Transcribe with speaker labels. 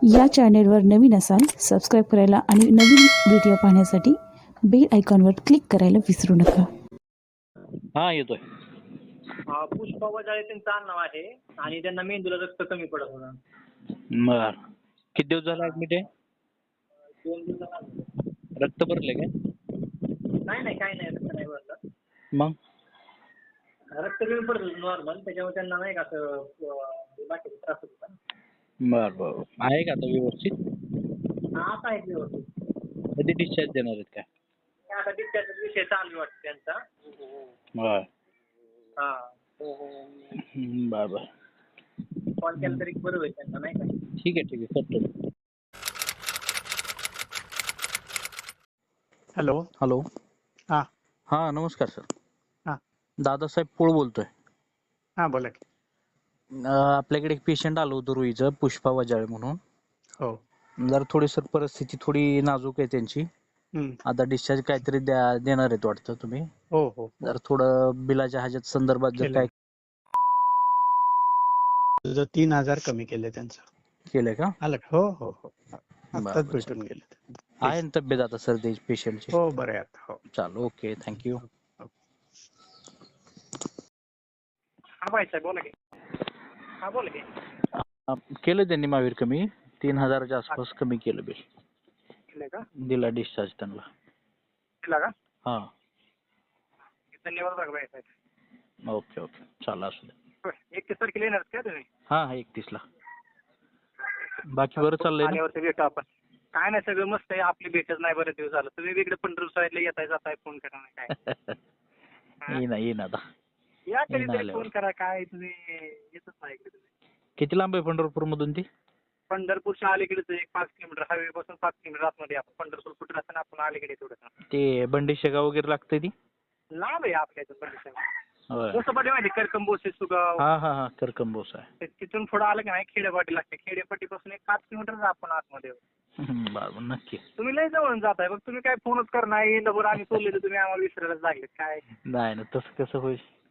Speaker 1: या चॅनेलवर नवीन असाल सबस्क्राईब करायला आणि नवीन व्हिडिओ पाहण्यासाठी बेल आयकॉनवर क्लिक करायला विसरू नका.
Speaker 2: हा येतोय.
Speaker 3: पुष्पा वजाळे त्यांचं आडनाव आहे आणि त्यांना मेंदूला रक्त कमी पडत होतं.
Speaker 2: बर किती दिवस झाला ऍडमिट आहे?
Speaker 3: 2 दिवसांना
Speaker 2: रक्त भरले काय?
Speaker 3: नाही काही नाही रक्त नाही भरलं.
Speaker 2: मग
Speaker 3: रक्त कमी पडत होतं नॉर्मल, त्याच्यामुळे त्यांना नाही का असं बाकीचा त्रास होत होता.
Speaker 2: बर बर आहे का आता व्यवस्थित?
Speaker 3: आता आहे व्यवस्थित.
Speaker 2: कधी डिस्चार्ज देणार आहेत काय?
Speaker 3: आता डिस्चार्जचा विषय चालू वाटतं त्यांचा.
Speaker 2: बर
Speaker 3: हा
Speaker 2: बर बर
Speaker 3: कॉल केला तरी बरं होईल त्यांना नाही का.
Speaker 2: ठीक आहे करतो.
Speaker 4: हॅलो.
Speaker 2: हॅलो.
Speaker 4: हां
Speaker 2: हा नमस्कार सर.
Speaker 4: हां
Speaker 2: दादासाहेब पोळ बोलतोय.
Speaker 4: हां बोला की.
Speaker 2: आपल्याकडे एक पेशंट आलो होतं रुईचं, पुष्पा वजाळे म्हणून.
Speaker 4: हो.
Speaker 2: जरा थोडी सर परिस्थिती थोडी नाजूक आहे त्यांची. आता डिस्चार्ज काहीतरी देणार आहेत वाटतं तुम्ही.
Speaker 4: हो हो
Speaker 2: जर थोडं बिलाच्या ह्याच्यात संदर्भात जर काय
Speaker 4: तुझं 3,000 कमी केले त्यांचं.
Speaker 2: केलंय का?
Speaker 4: आलं का? हो हो हो आत्ताच
Speaker 2: बरं,
Speaker 4: भेटून गेले.
Speaker 2: आहे ना तब्येत आता सर त्याची पेशंटची?
Speaker 4: हो बरं आहे आता. हो
Speaker 2: चालू ओके थँक्यू.
Speaker 3: हा भाई साहेब बोला की. हा बोला की.
Speaker 2: केलं त्यांनी महावीर कमी 3,000च्या आसपास कमी केलं बिल.
Speaker 3: केलंय का?
Speaker 2: दिला डिस्चार्ज त्यांना.
Speaker 3: केला का?
Speaker 2: हा
Speaker 3: धन्यवाद बघा भाई साहेब.
Speaker 2: ओके ओके चालू असू दे.
Speaker 3: 31 तारखेला येणार का तुम्ही?
Speaker 2: हा 31ला. बाकी बरं चाललंय ना?
Speaker 3: आल्यावरती भेटू आपण. काय नाही सगळं मस्त आहे. आपली भेटच नाही बरेच दिवस झालं. तुम्ही इकडे पंढरपूर साईडला येताय जाताय फोन करा नाही काय.
Speaker 2: येईन आता.
Speaker 3: या कधीतरी
Speaker 2: आल्यावर.
Speaker 3: फोन करा. काय तुम्ही येतच नाही इकडे तुम्ही.
Speaker 2: किती लांब आहे पंढरपूर मधून ती?
Speaker 3: पंढरपूरच्या अलीकडेच एक 5 किलोमीटर हायवे पासून 5 किलोमीटर आतमध्ये आपण. पंढरपूर कुठे असताना आपण अलीकडे थोडंसं
Speaker 2: ते बंडी शेगाव वगैरे लागतंय ती?
Speaker 3: लांब आहे आपल्या इथं पंढरपूर.
Speaker 2: होय.
Speaker 3: कसं पाठी माहिती करकंबोसे सुगाव.
Speaker 2: हा करकंबोस आहे.
Speaker 3: तिथून पुढे आलं की नाही खेडेपाटी लागते. खेडेपाटीपासून एक 5 किलोमीटर आपण आतमध्ये.
Speaker 2: बरं नक्की.
Speaker 3: तुम्ही लय जवळून जाताय बघ. तुम्ही काय फोनच करणार येईल बरं आणि सोडले तर तुम्ही आम्हाला विसरायला लागले काय.
Speaker 2: नाही ना तसं कसं होईल.